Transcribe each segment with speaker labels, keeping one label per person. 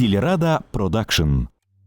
Speaker 1: Сільрада Продакшн.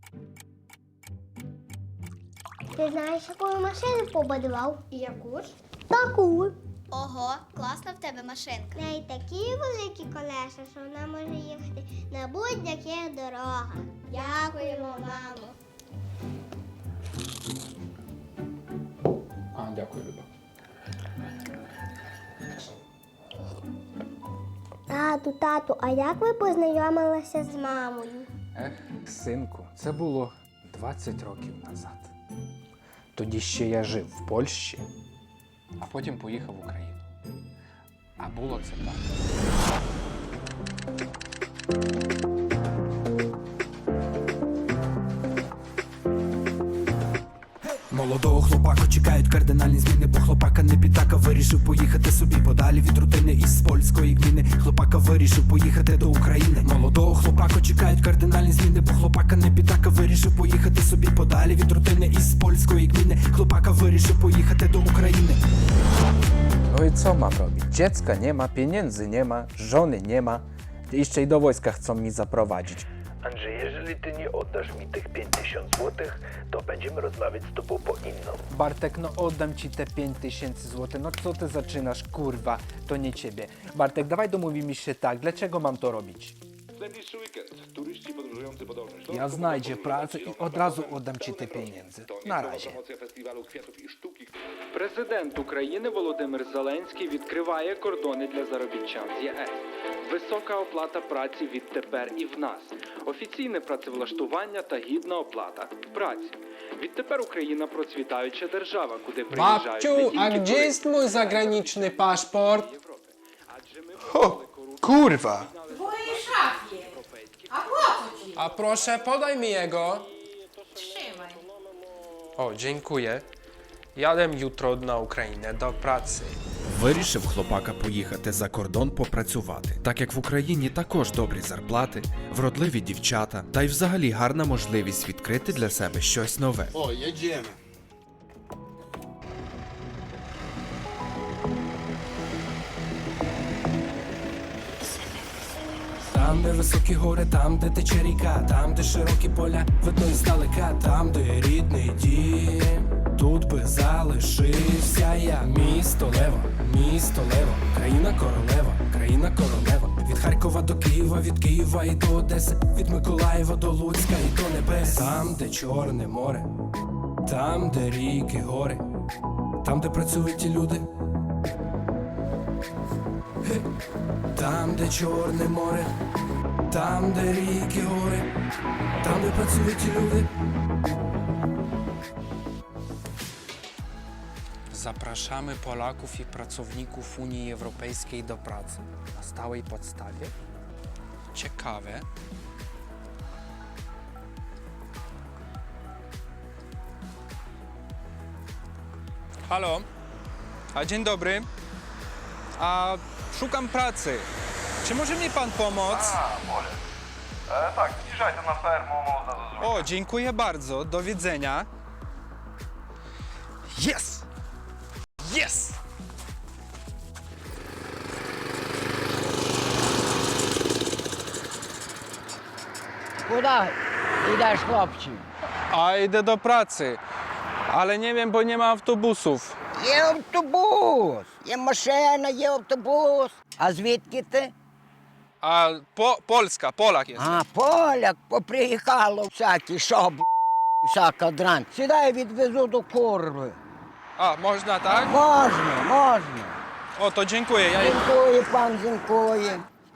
Speaker 2: Ти знаєш, яку машину побудував? Яку ж? Таку.
Speaker 3: Ого, класна в тебе машинка.
Speaker 2: В неї такі великі колеса, що вона може їхати на будь-яких дорогах. Дякуємо, мамо.
Speaker 4: Дякую, Люба.
Speaker 2: Тату, а як ви познайомилися з мамою?
Speaker 4: Синку, це було 20 років назад. Тоді ще я жив в Польщі, а потім поїхав в Україну. А було це так.
Speaker 5: Молодого хлопака чекають кардинальні зміни, бо хлопака не підтака вирішив поїхати собі подалі від рутини із польської гміни. Хлопака вирішив поїхати до України. Молодого хлопака чекають кардинальні зміни, бо хлопака не підтака вирішив поїхати собі подалі від рутини із польської гміни. Хлопака вирішив поїхати до України.
Speaker 4: No i co mam robić? Dziecka nie ma, pieniędzy nie ma, żony nie ma. Jeszcze i do wojska chcą mi zaprowadzić.
Speaker 6: Andrzej, jeżeli ty nie oddasz mi tych 5000 złotych, to będziemy rozmawiać z tobą po inną.
Speaker 4: Bartek, no oddam ci te 5000 zł. No co ty zaczynasz, kurwa? To nie ciebie. Bartek, dawaj domówimy się tak. Dlaczego mam to robić?
Speaker 7: W najbliższy weekend turyści podróżujący po Dolnym Śląsku
Speaker 4: Ja znajdzie pracę i od razu oddam ci te pieniądze. Na razie.
Speaker 7: Promocja festiwalu kwiatów i sztuki.
Speaker 4: Президент України Володимир Зеленський відкриває кордони для заробітчан з ЄС. Висока оплата праці відтепер і в нас. Офіційне працевлаштування та гідна оплата праці. Відтепер Україна процвітаюча держава, куди приїжджають не
Speaker 8: Babciu,
Speaker 4: тільки
Speaker 8: a gdzie
Speaker 4: туристи
Speaker 8: jest mój zagraniczny paszport?
Speaker 4: Європи. Адже ми
Speaker 8: Kurwa!
Speaker 9: W mojej szafie. A po co ci?
Speaker 8: A proszę, podaj mi jego.
Speaker 9: Trzymaj.
Speaker 8: O, dziękuję. Jadę jutro na Ukrainę do pracy.
Speaker 5: Вирішив хлопака поїхати за кордон попрацювати, так як в Україні також добрі зарплати, вродливі дівчата, та й взагалі гарна можливість відкрити для себе щось нове.
Speaker 10: О, jedziemy.
Speaker 5: Там, де високі гори, там, де тече ріка, там, де широкі поля, видно іздалека, там, де рідний дім. Тут би залишився я. Місто Лево, країна королева. Від Харкова до Києва, від Києва і до Одеси, від Миколаєва до Луцька і до небес. Там, де Чорне море, там, де ріки, гори, там, де працюють ті люди. Там, де Чорне море, там, де ріки, гори, там, де працюють ті люди.
Speaker 8: Zapraszamy Polaków i pracowników Unii Europejskiej do pracy na stałej podstawie. Ciekawe. Halo? A dzień dobry. A szukam pracy. Czy może mi pan pomóc?
Speaker 7: Może. Tak, zbliżajcie na fermę, można zrobić.
Speaker 8: O, dziękuję bardzo. Do widzenia. Yes! Yes!
Speaker 9: Куди йдеш, хлопче?
Speaker 8: A idę do pracy. Ale nie wiem, bo nie ma autobusów.
Speaker 9: Є автобус, є машина, є автобус. А звідки ти?
Speaker 8: A Polska, Polak jest.
Speaker 9: А, поляк, поприїхало всякі, шоб, всяка дрань. Сідай, відвезу до курви.
Speaker 8: A, można tak?
Speaker 9: Можна.
Speaker 8: O, to dziękuję. Ja...
Speaker 9: Дякую, пан, дякую.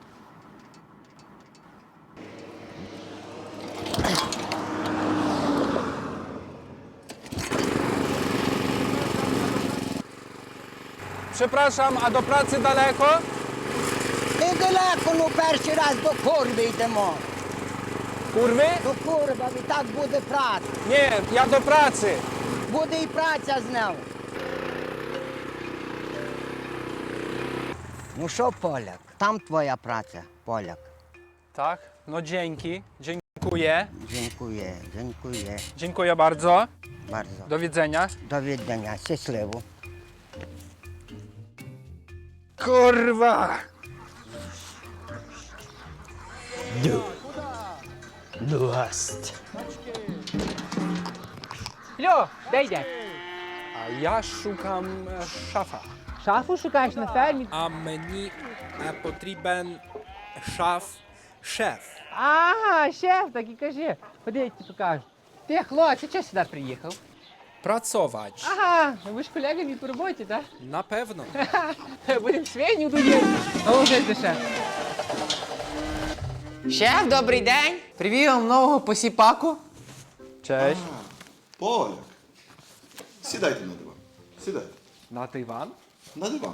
Speaker 8: Przepraszam, a do pracy daleko?
Speaker 9: Недалеко, ну перший раз до курви йдемо.
Speaker 8: Kurwy?
Speaker 9: До курва, і так буде праця.
Speaker 8: Nie, ja do pracy.
Speaker 9: Буде і праця з нею. Ну що, поляк, там твоя праця, поляк.
Speaker 8: Tak? No dzięki. Dziękuję.
Speaker 9: Дякую.
Speaker 8: Dziękuję bardzo.
Speaker 9: Bardzo.
Speaker 8: Do widzenia.
Speaker 9: До віддання, щасливо.
Speaker 8: Kurwa!
Speaker 10: Ну, гаст. Льо, де йдеш?
Speaker 8: А я шукам шафа.
Speaker 10: Шафу шукаєш на фермі?
Speaker 8: А мені потрібен шеф.
Speaker 10: Ага, шеф, так і кажи. Ходи, я тобі покажу. Ти, хлопці, чого сюди приїхав?
Speaker 8: Працювати.
Speaker 10: Ага, ви ж колегами по роботі, так?
Speaker 8: Напевно.
Speaker 10: Будемо свиню тоді. А вже де шеф. Шеф, добрий день. Привів вам нового посіпаку.
Speaker 8: Cześć.
Speaker 11: Поляк. Сідайте на диван. Сідайте.
Speaker 8: Na dywan?
Speaker 11: На диван.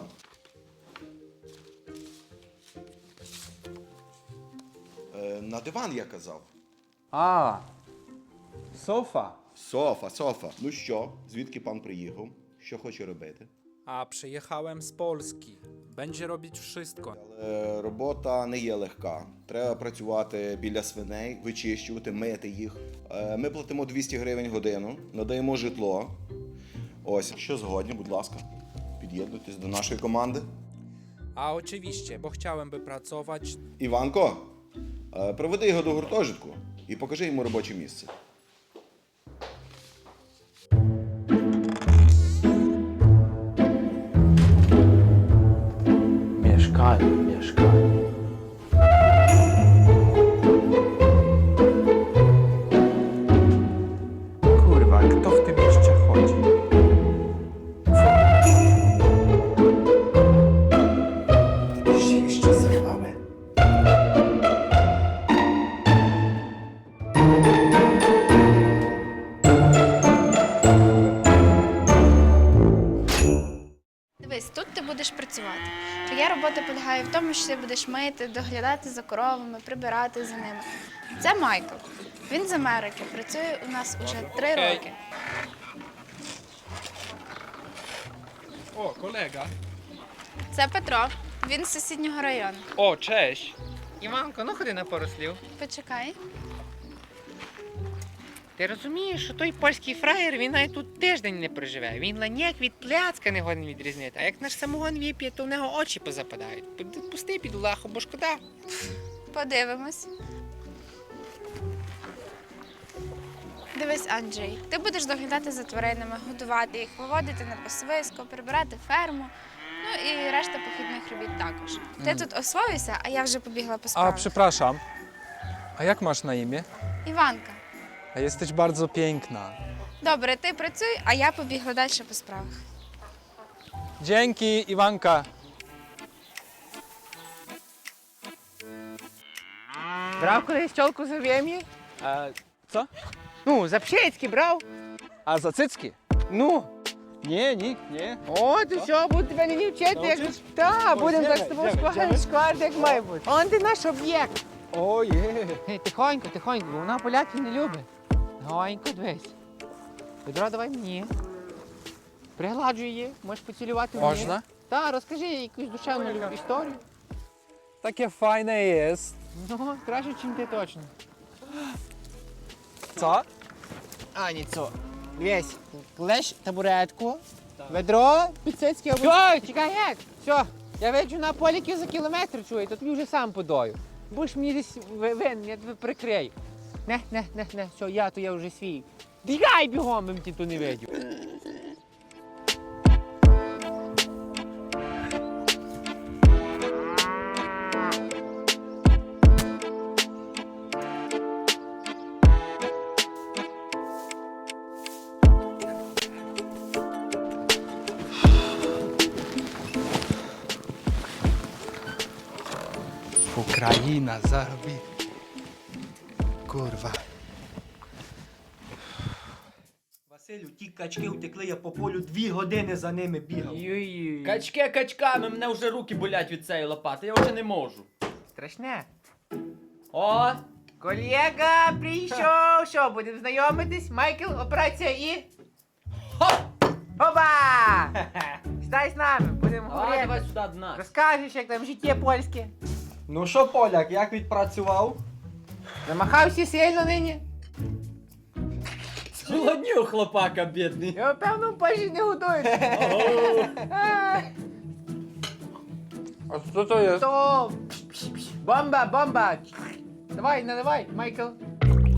Speaker 11: На диван я казав.
Speaker 8: A, sofa.
Speaker 11: Софа. Ну що, звідки пан приїхав? Що хоче робити?
Speaker 8: A przyjechałem z Polski. Będzie robić wszystko.
Speaker 11: Але робота не є легка. Треба працювати біля свиней, вичищувати, мити їх. Ми платимо 200 гривень годину, надаємо житло. Ось, що згодні, будь ласка, під'єднуйтесь до нашої команди.
Speaker 8: A oczywiście, bo chciałem by pracować.
Speaker 11: Іванко, проведи його до гуртожитку і покажи йому робоче місце.
Speaker 10: Mieszkanie.
Speaker 8: Kurwa, kto w tym mieście chodzi?
Speaker 11: Ще з вами.
Speaker 3: Дивись, тут ти будеш працювати. Твоя робота полягає в тому, що ти будеш мити, доглядати за коровами, прибирати за ними. Це Майкл. Він з Америки, працює у нас уже 3
Speaker 8: Окей.
Speaker 3: роки.
Speaker 8: O, kolega.
Speaker 3: Це Петро. Він з сусіднього району.
Speaker 8: O, cześć.
Speaker 10: Іванко, ну ходи на пару слів.
Speaker 3: Почекай.
Speaker 10: Ти розумієш, що той польський фраєр, він навіть тут тиждень не проживе. Він ланяк від пляцка не годен відрізнити. А як наш самогон вип'є, то в нього очі позападають. Пусти під лаху, бо шкода.
Speaker 3: Подивимось. Дивись, Анджей, ти будеш доглядати за тваринами, годувати їх, виводити на пасовисько, прибирати ферму. Ну і решта похідних робіт також. Ти тут освоюйся, а я вже побігла по
Speaker 8: A,
Speaker 3: справах.
Speaker 8: przepraszam. A jak masz na imię?
Speaker 3: Іванка.
Speaker 8: A jesteś bardzo piękna.
Speaker 3: Добре, ти працюй, а я побігла далі по справах.
Speaker 8: Dzięki, Iwanka.
Speaker 10: Брав колись тьолку за вім'ї?
Speaker 8: Co?
Speaker 10: Ну, за пшецьки брав.
Speaker 8: A za cycki?
Speaker 10: Ну.
Speaker 8: Nie, nikt, nie.
Speaker 10: От і все, буду тебе не вчити, як...
Speaker 8: Nauczysz?
Speaker 10: Так,
Speaker 8: Ой,
Speaker 10: будемо
Speaker 8: йдемо,
Speaker 10: так з тобою
Speaker 8: йдемо.
Speaker 10: шкварити, як має бути. Он ти наш об'єкт.
Speaker 8: Ojej.
Speaker 10: Гей, тихонько, бо вона поляків не любить. Гонько, дивись. Відро давай мені. Пригладжуй її, можеш поцілювати мені.
Speaker 8: Можна?
Speaker 10: Так, розкажи їй якусь душевну історію.
Speaker 8: Takie fajne jest.
Speaker 10: Ну, краще, ніж ти точно.
Speaker 8: Co?
Speaker 10: А, ніцо. Дивись, клеш табуретку, ведро, підсицьки або... Все, чекай, геть! Все, я виджу на поліків за кілометр, чую, то тобі вже сам подою. Будеш мені десь винен, я тебе прикрию. Не, все, я вже свій. Бігай бігом, бо ти тут не видів.
Speaker 5: Україна заробі. Курва.
Speaker 12: Василю, ті качки втекли, я по полю 2 години за ними бігав.
Speaker 10: Качки
Speaker 12: Качками, мене вже руки болять від цієї лопати, я вже не можу.
Speaker 10: Страшне.
Speaker 12: О,
Speaker 10: Колега прийшов. Що, будемо знайомитись? Майкл, операція і... Опа! Стай з нами, будемо
Speaker 12: давай
Speaker 10: говорити.
Speaker 12: сюди до нас.
Speaker 10: Розкажеш, як там життя польське.
Speaker 12: Ну що, поляк, як відпрацював?
Speaker 10: Замахався сильно нині.
Speaker 12: Зголоднів хлопака, бідний.
Speaker 10: Я певно в Польщі не готують.
Speaker 8: A co to jest?
Speaker 10: То... Бомба. Давай, наливай, Майкл.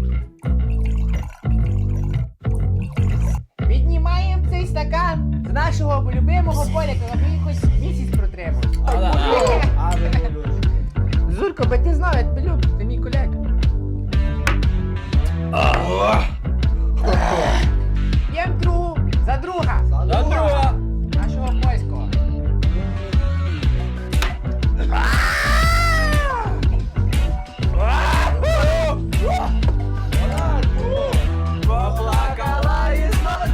Speaker 10: цей стакан з нашого любимого поляка, аби він хоч місяць протримав. Зурко, бо ти знав, я тебе люблю, ти мій колега. П'єм другу за друга. За друга. Нашого польського. Поплакала і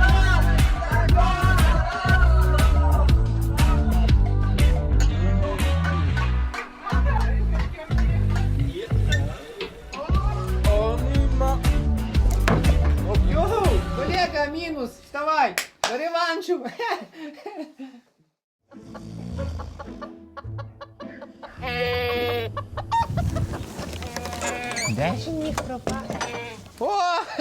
Speaker 10: Йоу, колега, мінус, вставай, до реваншу. Де ж міг пропасти? О,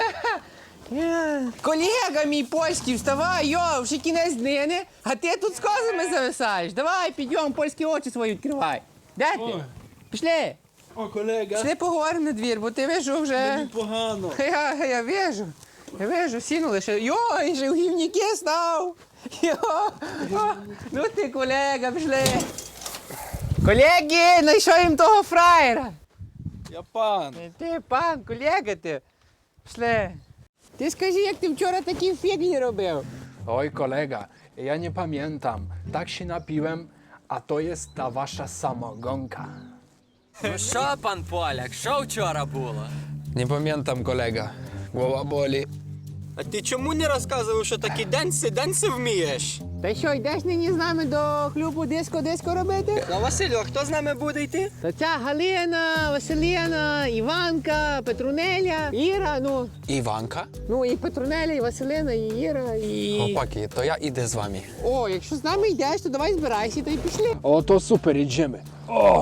Speaker 10: колега мій польський, вставай, йо, вже кінець днини, а ти тут з козами зависаєш. Давай, підйом, польські очі свої відкривай. Де ти? Пішли.
Speaker 8: О, колега.
Speaker 10: Пішли поговоримо на двір, бо ти вижу вже...
Speaker 8: Мені погано.
Speaker 10: Я вижу. Я вижу, сіну лише. Йо, і же в гівніки став. Йо, о, ну ти, колега, пішли. Колеги, знайшов їм того фраєра.
Speaker 8: Я пан.
Speaker 10: Ти, пан, колега ти. Пішли. Ти скажи, як ти вчора такі фігні робив?
Speaker 5: Oj kolega, ja nie pamiętam. Tak się napiłem, a to jest ta wasza samogonka.
Speaker 13: Ну що, пан Поляк, що вчора було?
Speaker 5: Nie pamiętam kolega. Głowa boli.
Speaker 13: А ти чому не розказував, що такі денси вмієш?
Speaker 10: Та що, йдеш нині з нами до клубу диско робити?
Speaker 13: А Василю, а хто з нами буде йти?
Speaker 10: Та ця Галина, Василіна, Іванка, Петрунеля, Іра, ну...
Speaker 5: Iwanka?
Speaker 10: Ну, і Петрунеля, і Василина, і Іра, і...
Speaker 5: Chłopaki, to ja idę z wami.
Speaker 10: О, якщо з нами йдеш, то давай збирайся, та й пішли.
Speaker 5: O, to super, idziemy. O!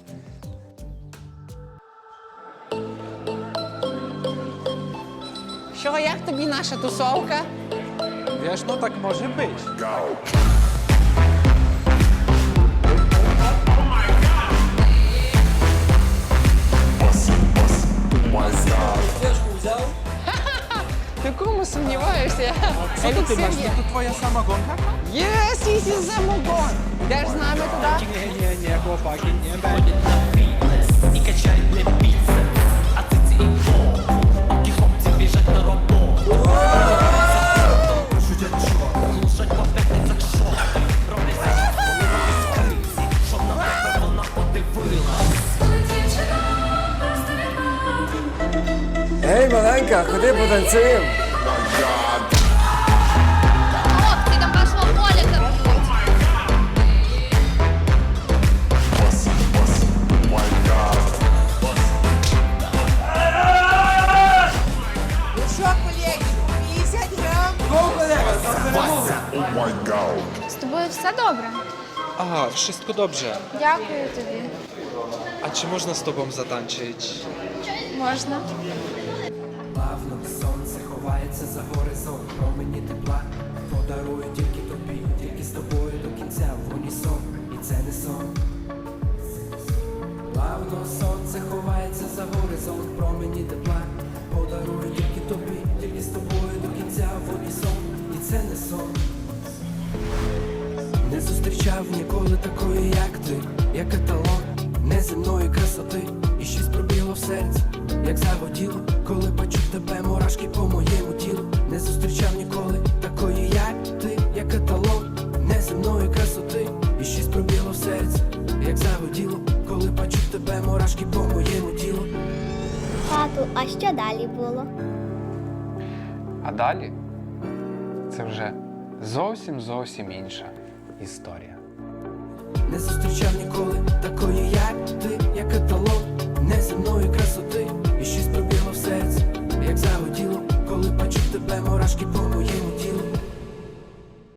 Speaker 10: Що, як тобі наша тусовка?
Speaker 8: Wiesz, no tak może być.
Speaker 10: Ти кому сумніваєшся?
Speaker 8: Co to ty masz? To twoja samogonka?
Speaker 10: Єс, єс, самогон. Йдеш з нами туди?
Speaker 8: Nie, chłopaki, nie będzie.
Speaker 13: Ей, маленька, ходи потанцюємо.
Speaker 2: Хлопці, там вашого Поляка б'ють.
Speaker 10: Ну що, колеги, 50 грам?
Speaker 3: З тобою все добре?
Speaker 8: Aha, wszystko dobrze.
Speaker 3: Дякую тобі.
Speaker 8: A czy można z tobą zatańczyć?
Speaker 3: Можна.
Speaker 5: Плавно сонце ховається за горизонт, промені тепла подарую тільки тобі, тільки з тобою до кінця в унісон, і це не сон. Плавно сонце ховається за горизонт, промені тепла подарую тільки тобі, тільки з тобою до кінця в унісон, і це не сон. Не зустрічав ніколи такої, як ти, як каталог неземної красоти, і щось пробіло в серці, як заводіло, коли бачу тебе, мурашки по моєму тілу. Не зустрічав ніколи такої, як ти, як каталог неземної красоти, і щось пробіло в серці, як заводіло, коли бачу тебе, мурашки по моєму тілу.
Speaker 2: Тату, а що далі було?
Speaker 5: А далі це вже зовсім інша історія. Не зустрічав ніколи такої, як ти,